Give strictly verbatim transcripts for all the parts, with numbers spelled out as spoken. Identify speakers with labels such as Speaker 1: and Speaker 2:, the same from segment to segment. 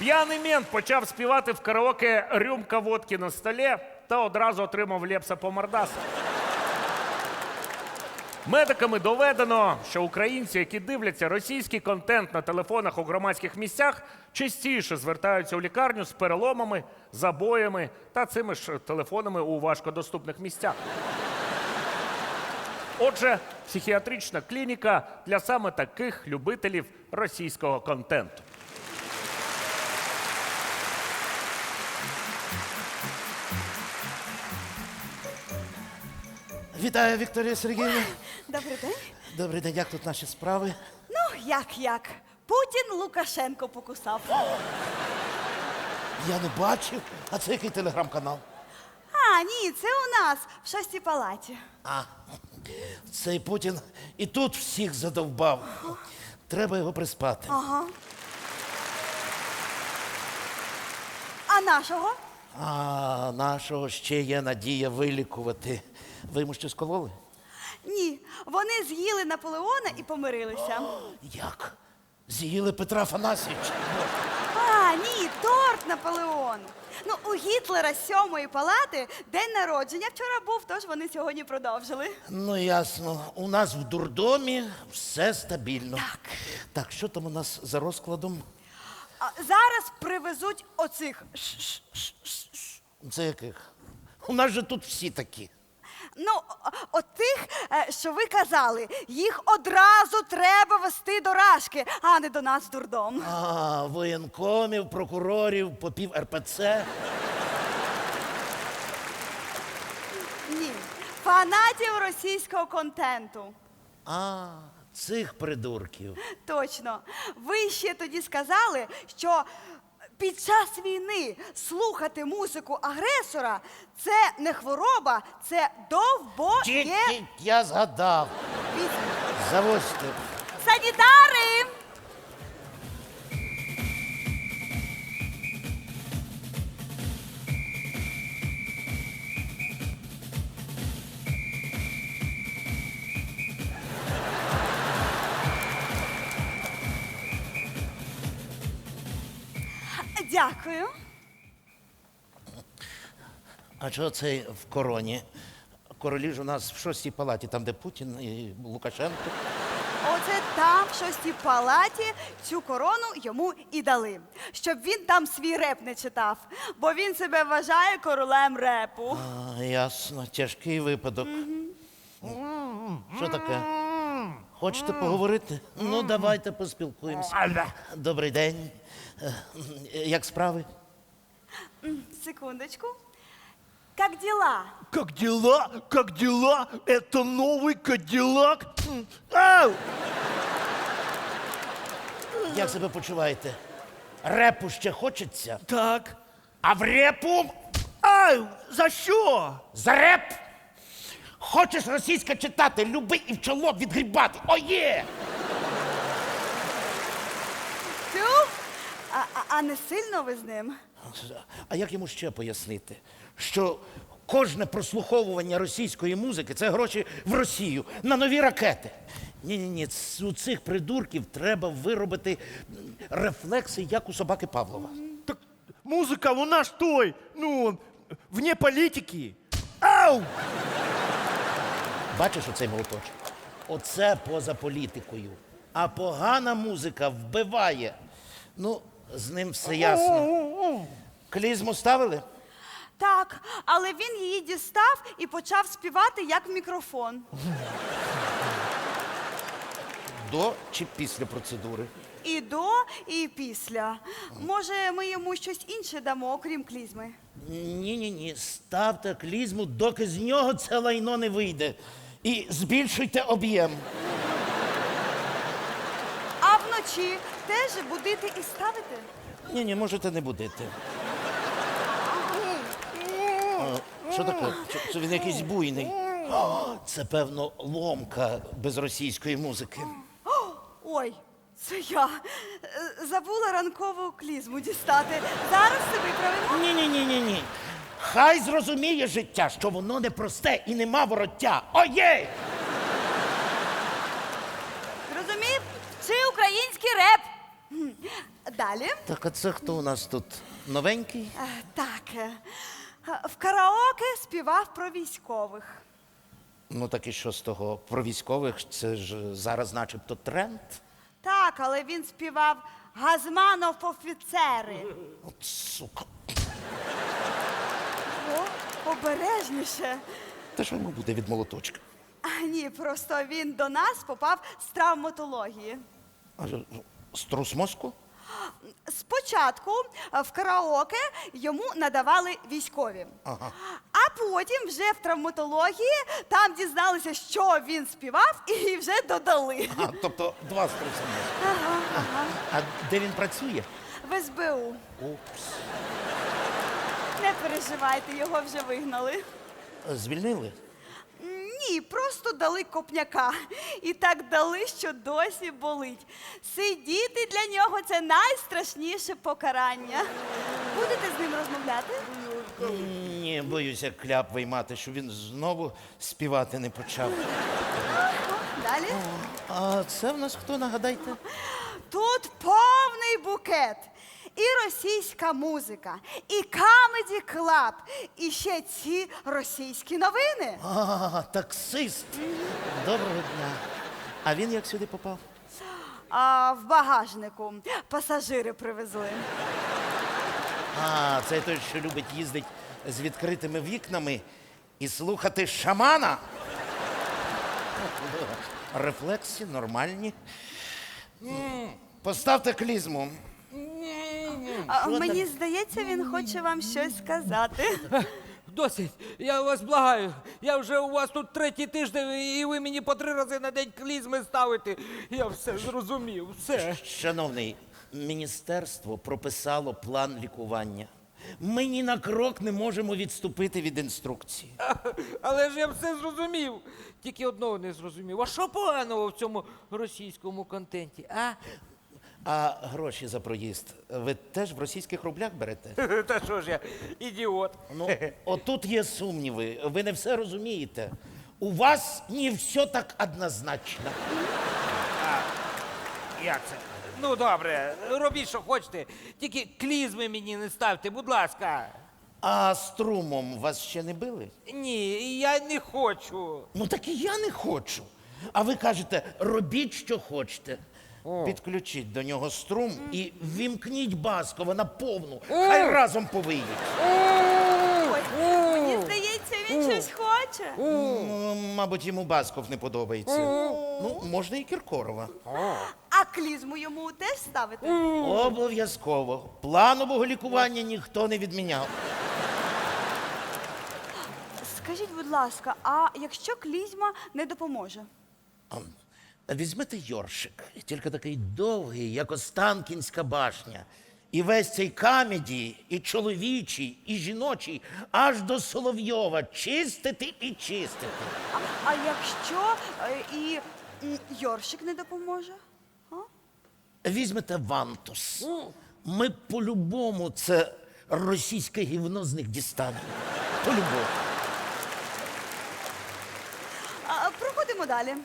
Speaker 1: П'яний мент почав співати в караоке «Рюмка водки на столі» та одразу отримав Лепса по мордасу. Медиками доведено, що українці, які дивляться російський контент на телефонах у громадських місцях, частіше звертаються у лікарню з переломами, забоями та цими ж телефонами у важкодоступних місцях. Отже, психіатрична клініка для саме таких любителів російського контенту.
Speaker 2: Вітаю, Вікторія Сергіївна.
Speaker 3: Добрий день.
Speaker 2: Добрий день, як тут наші справи?
Speaker 3: Ну, як-як. Путін Лукашенко покусав.
Speaker 2: Я не бачив. А це який телеграм-канал?
Speaker 3: А, ні, це у нас в шостій палаті.
Speaker 2: А, цей Путін і тут всіх задовбав. Треба його приспати.
Speaker 3: Ага. А нашого?
Speaker 2: А нашого ще є надія вилікувати. Ви йому щось кололи?
Speaker 3: Ні, вони з'їли Наполеона і помирилися.
Speaker 2: Як? З'їли Петра Афанасьовича?
Speaker 3: А, ні, торт Наполеон. Ну, у Гітлера з сьомої палати день народження вчора був, тож вони сьогодні продовжили.
Speaker 2: Ну, ясно. У нас в дурдомі все стабільно.
Speaker 3: Так.
Speaker 2: Так, що там у нас за розкладом?
Speaker 3: А зараз привезуть оцих. Ш-ш-ш-ш-ш.
Speaker 2: Це яких? У нас же тут всі такі.
Speaker 3: Ну, о- от тих, е, що ви казали, їх одразу треба вести до Рашки, а не до нас в дурдом.
Speaker 2: А, воєнкомів, прокурорів, попів ер пе це.
Speaker 3: Ні, фанатів російського контенту.
Speaker 2: А, цих придурків.
Speaker 3: Точно. Ви ще тоді сказали, що під час війни слухати музику агресора – це не хвороба, це довбоє...
Speaker 2: Тільки я згадав. Завозьте.
Speaker 3: Санітари! Дякую.
Speaker 2: А чого цей в короні? Королі ж у нас в шостій палаті, там, де Путін і Лукашенко.
Speaker 3: Оце там, в шостій палаті, цю корону йому і дали. Щоб він там свій реп не читав, бо він себе вважає королем репу.
Speaker 2: А, ясно, тяжкий випадок. Що таке? Хочете поговорити? Ну, давайте поспілкуємося. Добрий день. Е, Як справи?
Speaker 3: Секундочку. Как дела?
Speaker 4: Как дела? Как дела? Это новый Кадиллак? Ау!
Speaker 2: Як себе почуваєте? Репу ще хочеться?
Speaker 4: Так.
Speaker 2: А в репу?
Speaker 4: Ау! За що?
Speaker 2: За реп! Хочеш російське читати, люби і в чоло відгрібати. О, є!
Speaker 3: Тю? А, а, а не сильно ви з ним?
Speaker 2: А як йому ще пояснити, що кожне прослуховування російської музики – це гроші в Росію на нові ракети? Ні-ні-ні, у цих придурків треба виробити рефлекси, як у собаки Павлова.
Speaker 4: Так музыка у нас той, ну, вне политики. Ау!
Speaker 2: Бачиш оцей молоточок? Оце поза політикою. А погана музика вбиває. Ну, з ним все ясно. Клізму ставили?
Speaker 3: Так, але він її дістав і почав співати як в мікрофон.
Speaker 2: До чи після процедури?
Speaker 3: І до, і після. Може, ми йому щось інше дамо, окрім клізми?
Speaker 2: Ні-ні-ні, ставте клізму, доки з нього це лайно не вийде. І збільшуйте об'єм.
Speaker 3: А вночі теж будити і ставити?
Speaker 2: Ні-ні, можете не будити. А, що таке? Чи- Це він якийсь буйний? О, це, певно, ломка без російської музики.
Speaker 3: Ой, це я. Е, Забула ранкову клізму дістати. Зараз все виправимо.
Speaker 2: Ні-ні-ні-ні-ні. Хай зрозуміє життя, що воно непросте і нема вороття. Оє!
Speaker 3: Розумів? Чи український реп? М, Да, далі.
Speaker 2: Так, а це хто у нас тут? Новенький?
Speaker 3: Е, Так, е, в караоке співав про військових.
Speaker 2: Ну так і що з того? Про військових це ж зараз начебто тренд.
Speaker 3: Так, але він співав Газманов офіцери.
Speaker 2: От сука.
Speaker 3: О, обережніше.
Speaker 2: Та що йому буде від молоточка?
Speaker 3: А, ні, просто він до нас попав з травматології.
Speaker 2: А ж- струс мозку?
Speaker 3: Спочатку е, в караоке йому надавали військові,
Speaker 2: Ага.
Speaker 3: а потім вже в травматології там дізналися, що він співав, і вже додали.
Speaker 2: А, тобто два струси мозку.
Speaker 3: Ага.
Speaker 2: А де він працює?
Speaker 3: В ес бе у.
Speaker 2: Упс.
Speaker 3: Не переживайте, його вже вигнали.
Speaker 2: Звільнили?
Speaker 3: Ні, просто дали копняка. І так дали, що досі болить. Сидіти для нього це найстрашніше покарання. Будете з ним розмовляти?
Speaker 2: Ні, боюся кляп виймати, щоб він знову співати не почав.
Speaker 3: Далі.
Speaker 2: А це в нас хто, нагадайте?
Speaker 3: Тут повний букет. І російська музика, і камеді клаб, і ще ці російські новини.
Speaker 2: А, таксист. Доброго дня. А він як сюди попав?
Speaker 3: А в багажнику пасажири привезли.
Speaker 2: А, це той, що любить їздити з відкритими вікнами і слухати шамана. Рефлекси нормальні. М, Поставте клізму.
Speaker 3: А,
Speaker 2: Що
Speaker 3: мені
Speaker 2: там?
Speaker 3: здається, він хоче вам щось сказати.
Speaker 5: Досить, я вас благаю. Я вже у вас тут третій тиждень, і ви мені по три рази на день клізми ставите. Я все зрозумів, все.
Speaker 2: Шановний, міністерство прописало план лікування. Ми ні на крок не можемо відступити від інструкції.
Speaker 5: Але ж я все зрозумів. Тільки одного не зрозумів. А що поганого в цьому російському контенті, а?
Speaker 2: А гроші за проїзд ви теж в російських рублях берете?
Speaker 5: Та що ж я, ідіот.
Speaker 2: Ну, отут є сумніви. Ви не все розумієте. У вас не все так однозначно.
Speaker 1: Як це?
Speaker 5: Ну добре, робіть, що хочете. Тільки клізми мені не ставте, будь ласка.
Speaker 2: А струмом вас ще не били?
Speaker 5: Ні, я не хочу.
Speaker 2: Ну так і я не хочу. А ви кажете, робіть, що хочете. Підключіть до нього струм і ввімкніть Баскова на повну. Хай разом повиють.
Speaker 3: Ой, мені здається, він щось хоче.
Speaker 2: Ну, мабуть, йому Басков не подобається. Ну, можна і Кіркорова.
Speaker 3: А клізму йому теж ставити?
Speaker 2: Обов'язково. Планового лікування ніхто не відміняв.
Speaker 3: Скажіть, будь ласка, а якщо клізма не допоможе?
Speaker 2: Візьмете йоршик, тільки такий довгий, як Останкінська башня. І весь цей камеді, і чоловічий, і жіночий, аж до Соловйова чистити і чистити.
Speaker 3: А, а якщо е, і м, Йоршик не допоможе? А?
Speaker 2: Візьмете вантус. Ми по-любому це російське гівно з них дістанемо. По-любому.
Speaker 3: А, проходимо далі.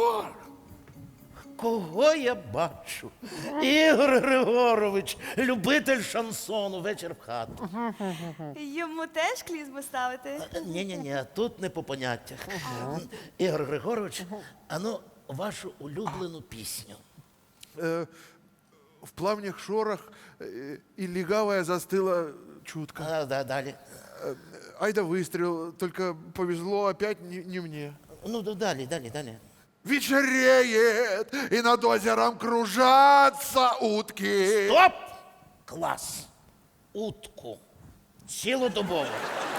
Speaker 2: Кого я бачу? Ігор Григорович, любитель шансону, вечір в хату.
Speaker 3: Йому теж клізму ставити?
Speaker 2: Ні-ні-ні, тут не по поняттях. Ігор Григорович, а ну, вашу улюблену пісню.
Speaker 6: Э, в плавних шорах э, и легавая застыла чутко.
Speaker 2: А, да, далі.
Speaker 6: Айда выстрел, только повезло опять не, не мне.
Speaker 2: Ну, да, далі, далі, далі.
Speaker 6: Вечереет, и над озером кружатся утки.
Speaker 2: Стоп! Клас! Утку. Цілодобово.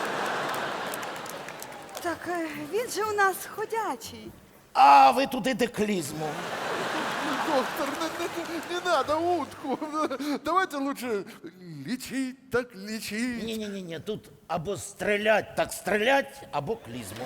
Speaker 3: Так е, він же у нас ходячий.
Speaker 2: А ви туди де клізму.
Speaker 6: Доктор, не, не- не надо утку. Давайте лучше лечить, так лечить.
Speaker 2: Ні-ні-ні, тут або стрілять, так стрілять, або клізму.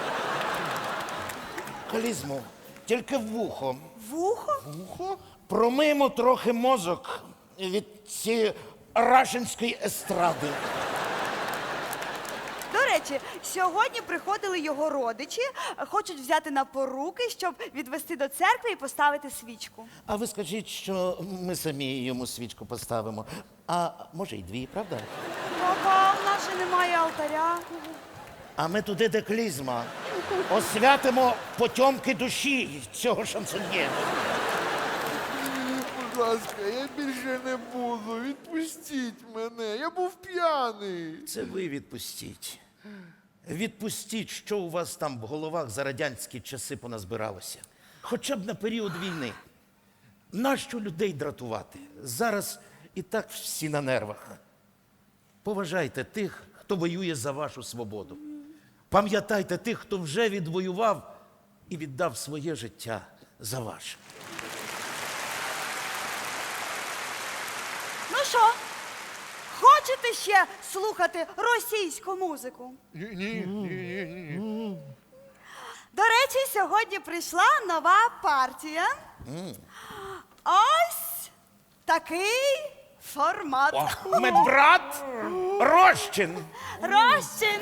Speaker 2: Клізму. Тільки в вухо.
Speaker 3: Вухо?
Speaker 6: Ухо?
Speaker 2: Промиємо трохи мозок від цієї рашинської естради.
Speaker 3: До речі, речі, сьогодні приходили його родичі, хочуть взяти на поруки, щоб відвести до церкви і поставити свічку.
Speaker 2: А ви скажіть, що ми самі йому свічку поставимо. А може й дві, правда?
Speaker 3: Папа, в нас же немає алтаря.
Speaker 2: А ми туди, де клізма, освятимо потьомки душі цього шансоньєра.
Speaker 6: Будь ласка, я більше не буду. Відпустіть мене. Я був п'яний.
Speaker 2: Це ви відпустіть. Відпустіть, що у вас там в головах за радянські часи поназбиралося. Хоча б на період війни. Нащо людей дратувати? Зараз і так всі на нервах. Поважайте тих, хто воює за вашу свободу. Пам'ятайте тих, хто вже відвоював і віддав своє життя за ваше.
Speaker 3: Ну що, хочете ще слухати російську музику?
Speaker 6: Ні, ні, ні, ні, ні.
Speaker 3: До речі, сьогодні прийшла нова партія. Ось такий формат.
Speaker 2: Медбрат Рощин.
Speaker 3: Розчин.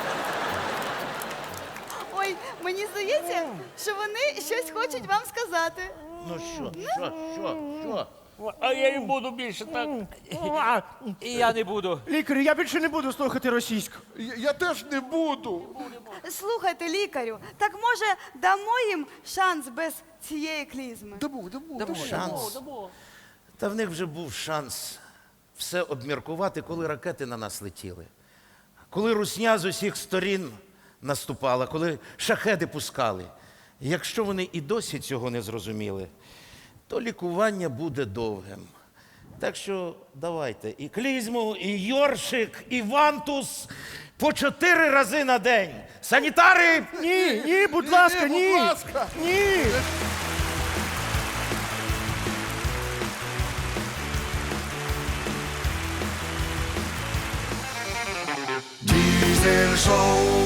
Speaker 3: Ой, мені здається, що вони щось хочуть вам сказати.
Speaker 2: Ну що, що, що, що?
Speaker 1: А я і буду більше так.
Speaker 4: А,
Speaker 5: І я не буду.
Speaker 4: лікарю, я більше не буду слухати російську.
Speaker 6: Я, я теж не буду.
Speaker 3: Слухайте, лікарю, так може дамо їм шанс без цієї клізми?
Speaker 6: Дамо, дамо, дамо.
Speaker 2: Шанс. Та в них вже був шанс все обміркувати, коли ракети на нас летіли. Коли русня з усіх сторін наступала, коли шахеди пускали. Якщо вони і досі цього не зрозуміли, то лікування буде довгим. Так що давайте і клізму, і йоршик, і вантус по чотири рази на день. Санітари!
Speaker 4: Ні, ні, будь ласка,
Speaker 6: ні,
Speaker 4: ні.
Speaker 6: будь ласка.
Speaker 4: Ні.
Speaker 7: Diesel Show.